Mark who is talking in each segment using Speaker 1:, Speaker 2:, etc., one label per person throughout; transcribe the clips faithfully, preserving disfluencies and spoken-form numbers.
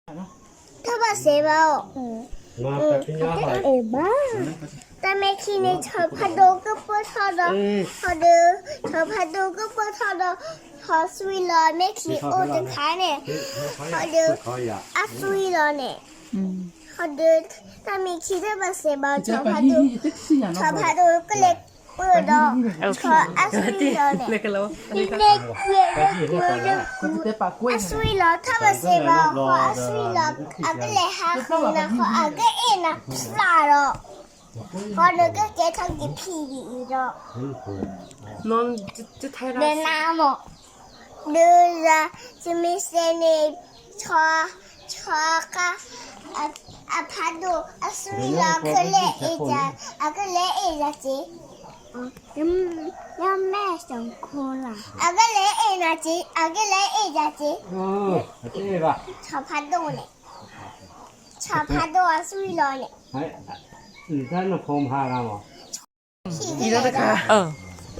Speaker 1: ถ้าบาเซบามาเอบ้าแต่แม่คีในชอบพัดโดก็ปวดท้องดอกพอเดือชอบพัดโดก็ปวดท้องดอกพอสวีลอยแม่คีโอจะขายเนี่ยพอเดืออัสวีลอยเนี่ยพอเดือแต่แม่คีถ้าบาเซบาชอบพัดโดชอบพัดโดก็เล็กเปิดดอกชอบอัสวีลอยเนี่ยเล็กเล็กเล็กเล็กเล็กอัสวีลอยถ้าบาเซบาขออัสวีลอยอาก็เลยหาคนนะขออาก็เอ็นะพลาดอกพอเด็กก็เจ๊ทำกี่พี่ดีดอกนอนจะไทยรัฐเดินน้ำอ่ะเดินจะจะมีเซนีชอชอกะอ่ะอ่ะพัดดูอ่ะสุริยาก็เละเอจ่าอ่ะก็เละเอจ่าจียังยังแม่สองคนล่ะอ่ะก็เละเอนะจีอ่ะก็เละเอจ่าจีอ๋อเจ๊ป่ะชอบพัดดูเนี่ยชอบพัดดูอ่ะสุริยาเนี่ย
Speaker 2: อืมท่านพงพาเราเหรอ
Speaker 3: นี่แล้วนะคะเออ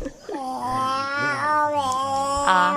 Speaker 3: อ่า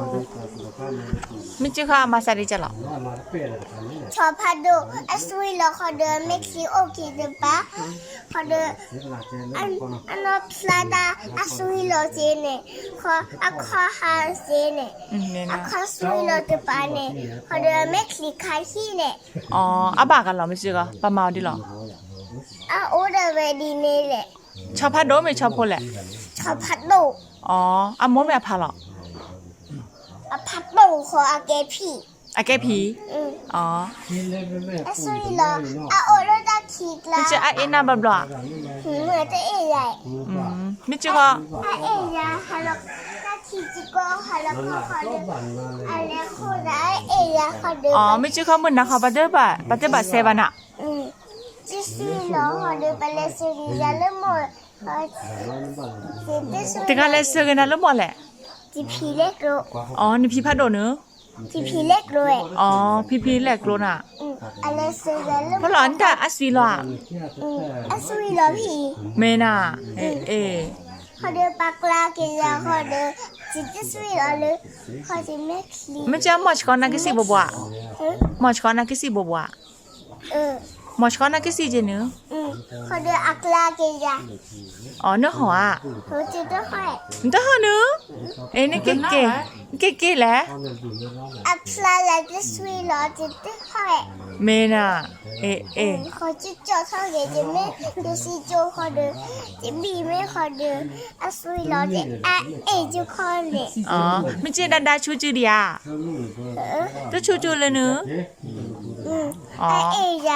Speaker 3: ไม่ชื่อค่ะมาซาดิจ้ะหรอ
Speaker 1: ชอบพัดดูอัสวีลอเขาเดินเม็กซิโอเคเดินปะเขาเดินอันอันนั้นพลาดาอัสวีลอเจเน่เขาอักข้าฮาเจเน่อักข้าสวีลอเดินปะเน่เขาเดินเม็กซิคาฮีเน่
Speaker 3: อ๋ออาบากันหรอไม่ชื่อค่ะปะมาดิหรอ
Speaker 1: อ่ะโอ้เดเวดีเน่แหละ
Speaker 3: ชอบพัดโดไม่ชอบคนแหละ
Speaker 1: ชอบพัดดู
Speaker 3: อ๋ออ่ะมดไม่พาหรอ
Speaker 1: อ่ะพัดดูขออาเกพี
Speaker 3: อาเกพีอ๋อ
Speaker 1: อัสวีลออ่ะโอ้เราจะคิดละ
Speaker 3: ไม่ชื่ออ่ะเอ็น่าบับล้อ
Speaker 1: เหมือนจะเอ๋ใหญ่
Speaker 3: ไม่ชื่อค่ะ
Speaker 1: อ่ะเอ๋ใหญ่ฮัลโหลถ้าคิดจิโก้ฮัลโหลก็ขอเดินอะไรคนได้เอ๋ใหญ่ขอเดิน
Speaker 3: อ๋อไม่ชื่อเขาเหมือนนะเขาบัตเตอร์บัตบัตเตอร์บัตเซบันอ่ะ
Speaker 1: อืมจิสุลอขอเดินไปเลยสุริยาเลยหมด
Speaker 3: ถึงอะไรเสือกันนะแล้วหมดแหละ
Speaker 1: จีพีเล็กโล
Speaker 3: อ๋อนี่พี่พัดโดเนอะ
Speaker 1: จีพีเล็กโล
Speaker 3: อ๋อพี่พี่เล็กโลน่ะ
Speaker 1: อืมอะไรเสือกันแล้ว
Speaker 3: เพราะหลอนแต่อัสวีลอ่ะ
Speaker 1: อืมอัสวีลอพี่
Speaker 3: เมน่าเอเอ
Speaker 1: ขอเดินปากลาเกียร์ขอเดินจิตสวีลอเลยขอจะแม็กลี
Speaker 3: ไม่ใช่มอชคอนนักสิบบัวมอชคอนนักสิบบัว
Speaker 1: เออ
Speaker 3: มอชคอนนักสิเจเนอะ
Speaker 1: อืมขอเดินอักลาเกียร์
Speaker 3: อ๋อเนื้อหัว
Speaker 1: เขาจะต้องให้
Speaker 3: เนื้อหัวเนอะเอ้นี่เก๋เก๋เก๋เก๋แหละ
Speaker 1: อักลาแล้วจะสวีลอจะต้องให้
Speaker 3: เมน่าเอเอ
Speaker 1: เขาจะจอดเท่าไหร่จะไม่จะซีโจขอเดินจะบีไม่ขอเดินอัสวีลอจะอะเอจะขอเลย
Speaker 3: อ๋อไม่ใช่ดันดาชูจูดิอ่ะตัวชูจูเลยเนอะ
Speaker 1: อืมอะเอจ้ะ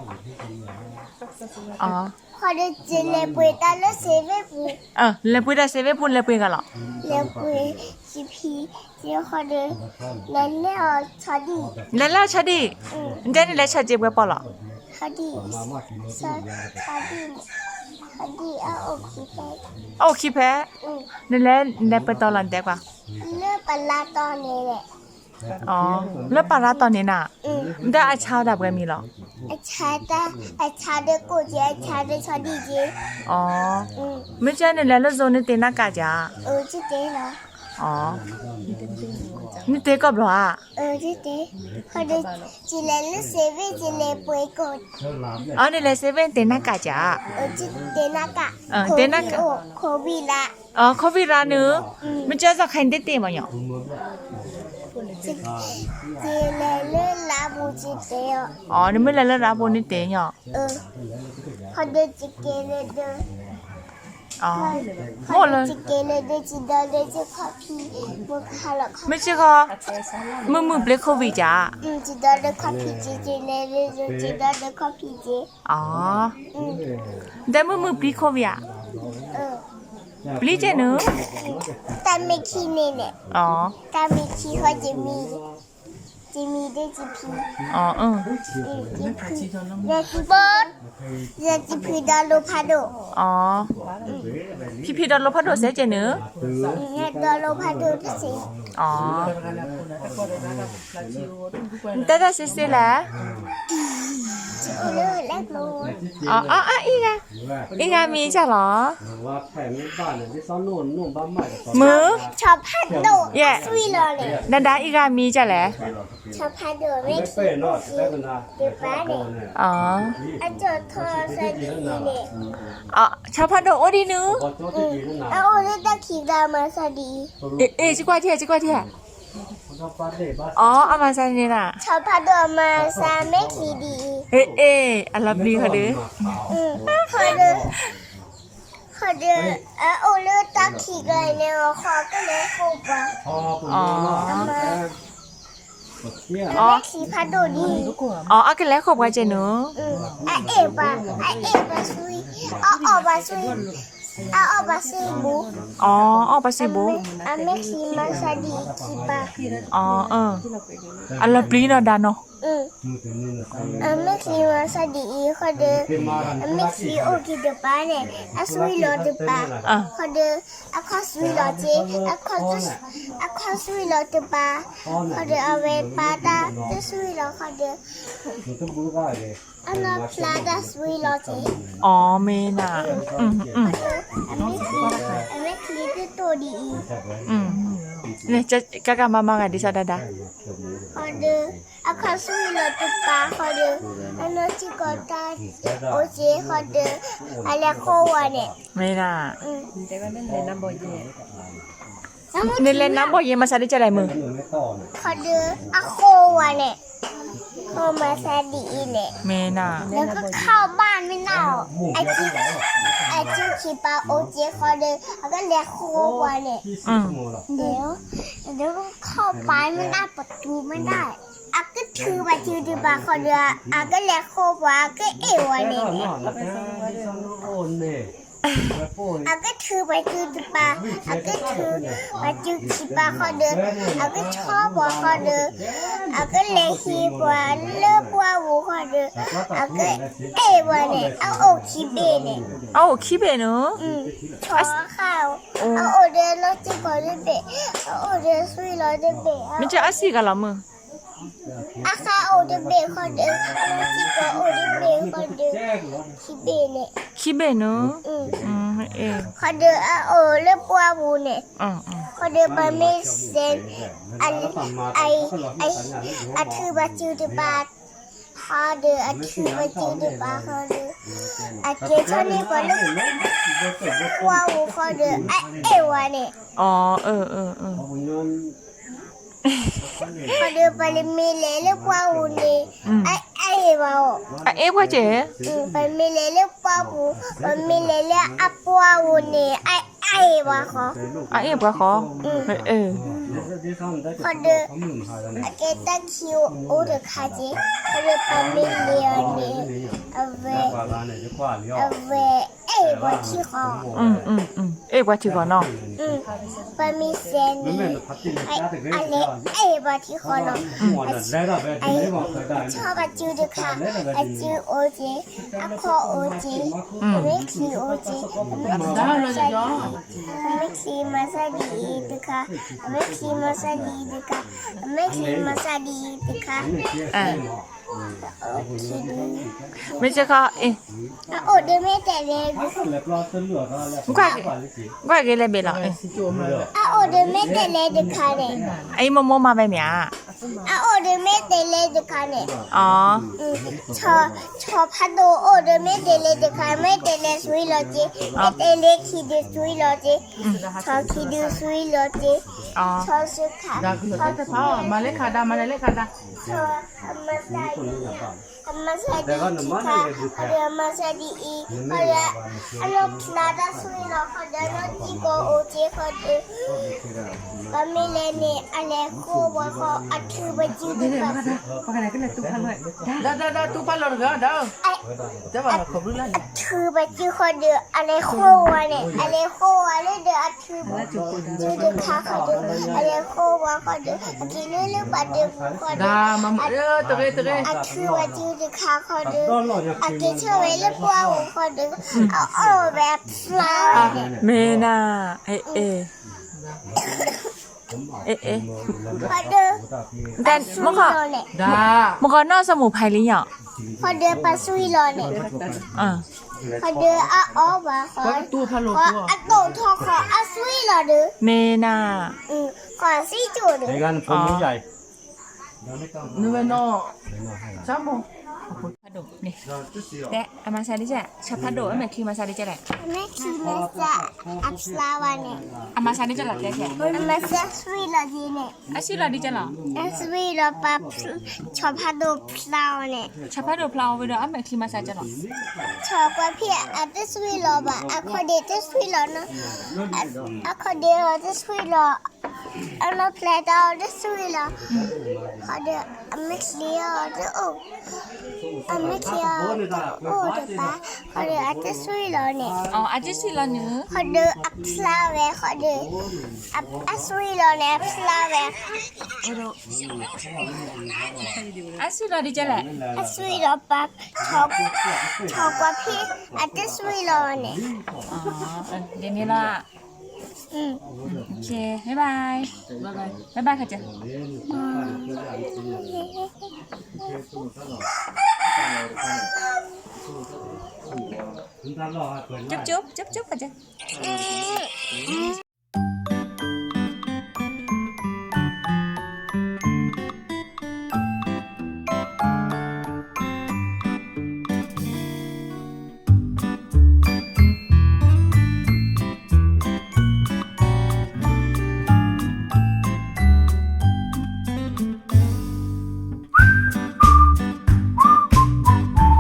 Speaker 3: อ๋อ
Speaker 1: ขอเดินจะเล่นไปตาแล้วเซเว่ปู
Speaker 3: เออเล่นไปได้เซเว่ปูเล่นไปกันหรอ
Speaker 1: เล่นไปจีพีจะขอเดินเล่นเล่นชาดี
Speaker 3: เล่นแล้วชาดีเดี๋ยวนี้เล่นชาจีบกันปะหรอ
Speaker 1: ชาดีชาชาดีชาดีอ่ะโอเคไป
Speaker 3: โอเคไปนี่เล่นเล่นไปตอนหลังเด็กป่ะ
Speaker 1: เล่นปลาตอนนี้แหละ
Speaker 3: อ๋อแล้วปลาตอนนี้น่ะได้อาชาดับกันมีหรอ
Speaker 1: อาชาดาอาชาเด็กกูจะอาชาเด็กชาดีเจ
Speaker 3: อ๋อไม่ใช่เนี่ยแล้วโซนนี่เต็นนักกาจ้า
Speaker 1: เออจิเต้เหรอ
Speaker 3: อ๋อนี่เต็กับหรอ
Speaker 1: เออจิเต้เขาเดินจิเลนเซเว่นจิเลป่วยกด
Speaker 3: อ๋อนี่เลยเซเว่นเต็นนักกาจ้า
Speaker 1: เออจิเต้นักกะ
Speaker 3: เออเต็นนักกะ
Speaker 1: โควิดละ
Speaker 3: อ๋อโควิดละเนอะไม่ใช่จะใครเต็นเต็มมั้ย
Speaker 1: จิเลเลลาบูจิเต้
Speaker 3: อ๋อนี่ไม่เลยลาบูนี่เต็มอ่ะ
Speaker 1: เออเขาเดินจิเกเลเด
Speaker 3: อ๋อ
Speaker 1: หมดเลยจิเกเลเดจิดาเลจิคอฟีมุคาละ
Speaker 3: ไม่ใช่ค่ะมึงมึงเบลโควิดจ้า
Speaker 1: อืมจิดาเลคอฟีจิเจเลเลจิดาเลคอฟีเจ
Speaker 3: อ๋อแต่มึงมึงเบลโควิดอ่ะ
Speaker 1: เออ
Speaker 3: เบลเจเนอะ
Speaker 1: แต่ไม่คีเน่เนี่ย
Speaker 3: อ๋อ
Speaker 1: แต่ไม่คีเขาจะมีจะมีได้จีพี
Speaker 3: อ๋อเออ
Speaker 1: จีพีเด็กบอสเด็กจีพีดาโลพาโด
Speaker 3: อ๋อพี่พี่ดาโลพาโดเสียเจเนอะ
Speaker 1: เนี่ยดาโลพาโดที่สิ
Speaker 3: อ๋อแต่แต่เสียเสียแหละ
Speaker 1: โอ้เลยแรกโล
Speaker 3: อ๋ออ๋ออ๋ออีกอะอีกอะมีจ้ะเหรอ
Speaker 2: ว่าแผ่นบ้านเนี่ยที่ซ้อนนู่นนู่นบ้านใหม่
Speaker 3: มือ
Speaker 1: ชอบพัดโดดสวีเลยเลย
Speaker 3: ดันดาอีกอะมีจ้ะแหละ
Speaker 1: ชอบพัดโดดไม่
Speaker 2: ไม่
Speaker 1: คิ
Speaker 2: เป้
Speaker 1: ด
Speaker 2: เนาะได้กันนะ
Speaker 1: เดี๋ยวป้าเนี่ย
Speaker 3: อ๋อ
Speaker 1: อาจารย์ทอสดีเนี่ย
Speaker 3: อ๋อชาวพันโดโอดีนึ
Speaker 2: พอโจ้ที่ดีนั่นนะ
Speaker 1: แล้วโอ้เลยตะขีดามาสดี
Speaker 3: เอ๊ะเอ๊ะจิกว่าเทียจิกว่าเทีย
Speaker 2: เขาป้าเด็บ้าน
Speaker 3: อ๋อเอามาใส่นี่น่ะ
Speaker 1: ชอบพัดโดดมาซาไม่ขีดี
Speaker 3: เอ๊ะเอ๊ะอันลับดีค่ะเด้อ
Speaker 1: อืมพอเดินพอเดินเออโอ้เลยตะขีดเลยเนี่ยคอก็เลยฟูปะ
Speaker 2: พอผมเนาะเนี่ย
Speaker 3: อ๋อ
Speaker 1: ไม่ขีพัดโดดดี
Speaker 3: อ๋อเอากันแล้วขอบกันเจเนอะ
Speaker 1: อืมไอเอ๋ปะไอเอ๋ปะซุยเอาออกปะซุยเอาออกปะซุยบู
Speaker 3: อ๋อเอาไปสิบุ
Speaker 1: อ่ะไม่ขีมาสดีขีปะ
Speaker 3: อ๋อเอออันลับดีเนาะดาเนาะ
Speaker 1: อืมอ่ะไม่ขีมาสดีพอเดินอ่ะไม่ขีโอเคเดปะเนี่ยอ่ะซุยรอเดปะ
Speaker 3: อ่ะ
Speaker 1: พอเดินอ่ะขอซุยรอเจอ่ะขอซุอ่ะขอซุยรอเดปะพอเดินเอาไว้ปาตาจะซุยรอพอเดิน
Speaker 2: มันต้องรู้ได้เลย
Speaker 1: อันนั้นปลาดาซุยรอเจ
Speaker 3: อ๋อเมน่ะอืมอืม
Speaker 1: อันไม่ขีอันไม่ขีคือตัวดี
Speaker 3: อืมเนี่ยจะกะกะมามากันดิซาดาดา
Speaker 1: พอเดินอ่ะขอซุยรอเดปะพอเดินอันนั้นจิกอตาโอเจพอเดินอะไรโควะเนี่ย
Speaker 3: เมน่ะ
Speaker 1: อืม
Speaker 3: เนเล่นน้ำบ่เย็นมาซะได้จะได้มือ
Speaker 2: หนึ่งไม่ต่อเนี่ย
Speaker 1: พอเดินอะโควะเนี่ยโคมาซาดีเนี่ย
Speaker 3: เมน่ะ
Speaker 1: แล้วก็เข้าบ้านไม่เน่าไอจิไอจิขีปาโอเจพอเดินแล้วก็เรียกโควะเนี่ย
Speaker 2: ที่สิบชั่วโมงหรอ
Speaker 1: เดี๋ยวเดี๋ยวก็เข้าไปไม่ได้ประตูไม่ได้อาก็ถือไปถือดีปาพอเดินอาก็เรียกโควะก็เอวะเนี่ย
Speaker 2: นอนแล้วที่ซ้อนโอนเนี่ยแล้วโป้ย
Speaker 1: อาก็ถือไปถือดีปาอาก็ถือไปถือขีปาพอเดินอาก็ชอบว่าพอเดินอาก็เลี้ยขีปาเลิกว่าวูพอเดินอาก็เอวะเนี่ยเอาโอคีเบเนี่ย
Speaker 3: เอ้าคิเบเนอะ
Speaker 1: อืมชอข้าวเอาโอเดนรถจิ๊กก่อนด้วยเบะเอาโอเดนซุยรถด้วยเบะ
Speaker 3: มันจะอาศิกันละมือ
Speaker 1: อาคาโอเดนเบะคนเดินรถจิ๊กก่อนโอเดนเบะคนเดินคิเบะเนี่ย
Speaker 3: คิเบเนอะ
Speaker 1: อืม
Speaker 3: อืมเอ๊ะ
Speaker 1: คนเดินเอาโอเลือกปัวบูเนี่ย
Speaker 3: อืมอืม
Speaker 1: คนเดินไปไม่เซนอันไอไออาถือบาจิวดิบาพอเดินอาถือบาจิวดิบาพอเดินอาเกชนี่คนเดินปัวบูพอเดินไอเอวะเนี่ย
Speaker 3: อ๋อเออเออเออ
Speaker 2: ผมย้อน
Speaker 1: พอเดินไปเลยมีเลยเลือกปัวบูเนี่ยไอไอวะ
Speaker 3: อ่ะเอ๊ะว่าเจ๊
Speaker 1: อืมไปมีเลยเลือกปัวบูไปมีเลยเลือกอัปปัวบูเนี่ยไอไอวะขอ
Speaker 3: อ่ะเอ๊ะบ่ขอเออเออ
Speaker 1: พอเดินอาเกตัคิวโอเดคาจิพอเดินไปมีเลยเนี่ยเอาไว้
Speaker 2: ปลาลาเนี่ยจะกว่าเลี้ยว
Speaker 1: เอาไว้เอ้ยบอที่คอ
Speaker 3: อืมอืมอืมเอ๊ะว่าถือก่อนเนาะ
Speaker 1: อืมไปมีเซน
Speaker 2: มัน
Speaker 1: นี่
Speaker 2: แม่นพัดที่
Speaker 1: ไอ้
Speaker 2: จ้าแต่ก็
Speaker 1: อะไร
Speaker 2: ได้
Speaker 1: เอ้ยบอที่คอเนาะ
Speaker 2: หัวน่ะได้ละแบบนี้บอกเคยได้
Speaker 1: ชอบอาจิวเดค่ะอาจิวโอเจอาคอโอเจไม่คีโอเจไม่คีมาซาดีไม่คีมาซาดีเดค่ะไม่คีมาซาดีเดค่ะไม่คีมาซาดีเดค่ะ
Speaker 3: อ่ะ
Speaker 1: โอเคดู
Speaker 3: ไม่ใช่ก็เอ๊ะ
Speaker 1: โอ้เดไม่แต่เลย
Speaker 2: เล็บรอซื้อเหลือก็แล้ว
Speaker 3: กว่ากว่าเกเลยเบล่ะเอ๊ะ
Speaker 1: อ่ะโอ้เดไม่แต่เลยเดค่ะเนี่ย
Speaker 3: ไอ้โมโมมาไปเมีย
Speaker 1: อ่ะโอ้เดไม่แต่เลยเดค่ะเนี่ย
Speaker 3: อ๋อ
Speaker 1: ชอชอพัดโดโอเดไม่เดเลเดคาไม่เดเลซุยโลจิไม่เดเลคีเดซุยโลจิชอคีเดซุยโลจิ
Speaker 3: อ๋อ
Speaker 1: ชอสุขา
Speaker 4: Da kulo ta pa ma le khada ma le khada
Speaker 1: ชอธรรมศาสตร์ธรรมศาสตร์ดีค่ะเรียนมาสดีอีเขาเรียนอันนั้นพลาดซุยโลเขาเดินจิโกโอจิเขาเดินก็ไม่เลนี่อะไรคู่ว่าเขาอัดคือบัจิบุก
Speaker 4: pa kana kala tu palo da da da tu palo ga da
Speaker 1: ไอ้
Speaker 4: da ba ko bru la
Speaker 1: คือบัจิเขาเดินอะไรคู่ว่าเนี่ยอะไรคู่ว่าเลยเดินอัดคือบัจิ จูดึกค่ะเขาดึกอะไรโควาเขาดึกกินเรื่องบัดดึกเขาดึก
Speaker 4: da ma e to ge to ge
Speaker 1: อัดคือว่าจูดึกค่ะเขาดึกอัดกินเชื่อไว้เรื่องว่าเขาดึกเอาเอาแบบฟลาว
Speaker 3: เมน่าเอ๊ะเอ๊ะเอ๊ะเอ๊ะ
Speaker 1: เขาดึก
Speaker 3: แต่เมื่อก่อน
Speaker 4: da
Speaker 3: เมื่อก่อนนอกสมุนไพรหรือยัง
Speaker 1: อพอเดือปลาซุยรอเนี่ย
Speaker 3: อ่า
Speaker 1: พอเดืออะอ๋อว่าขอ
Speaker 4: Kau tu palo
Speaker 1: ขอ
Speaker 4: tu.
Speaker 1: อะโตทอขออะซุยรอเด้อ
Speaker 3: เมนา
Speaker 1: อืมขอซีจูเด้อ
Speaker 2: ในการผมใหญ่
Speaker 4: Ni mana? Sama.
Speaker 3: พัดโดนี่แต่อามาซาดิจ้ะชาพัดโดอามาคีมาซาดิจ้ะแหละ
Speaker 1: แม่คิดมาซะอัพสลาวาเนี่ย
Speaker 3: อามาซาดิจ้ะหลักแกแก
Speaker 1: อามาซะซุยรอดีเนี่ย
Speaker 3: อาชิลาดิจ้ะหรอ
Speaker 1: อะซุยรอปลาชอบพาดูพลาวเนี่ย
Speaker 3: ชาพัดโดพลาวไปเด้ออามาคีมาซาจ้ะหรอ
Speaker 1: ชอบกว่าพี่อาจจะซุยรอบ่อะคอเดจะซุยรอเนาะอะคอเดจะซุยรออันนั้นเพลดเอาจะซุยรอคอเดอะไม่เคลียร์จะโอ้อะไม่เคลียร์โอ้เดี๋ยวป้าคอเดอาจจะซุยรอเนี่ย
Speaker 3: อ๋ออาจิสิลาเนื้อ
Speaker 1: ขอดูอัพสลาเวขอดูอัพอัสวีโลเนอัพสลาเว
Speaker 3: อาชิลาดิจ้ะแหละ
Speaker 1: อัสวีโลปักชอบชอบกว่าพี่อัตสวีโลเนี่ย
Speaker 3: อ๋อเดี๋ยวนี้ละ
Speaker 1: อืม
Speaker 3: โอเคบ๊ายบายบ๊ายบายบ๊ายบายค่ะจ้ะ
Speaker 2: คุณตาหล่อเปิด
Speaker 3: จุ๊บจุ๊บจุ๊บจุ๊บค่ะจ้ะ
Speaker 1: อืม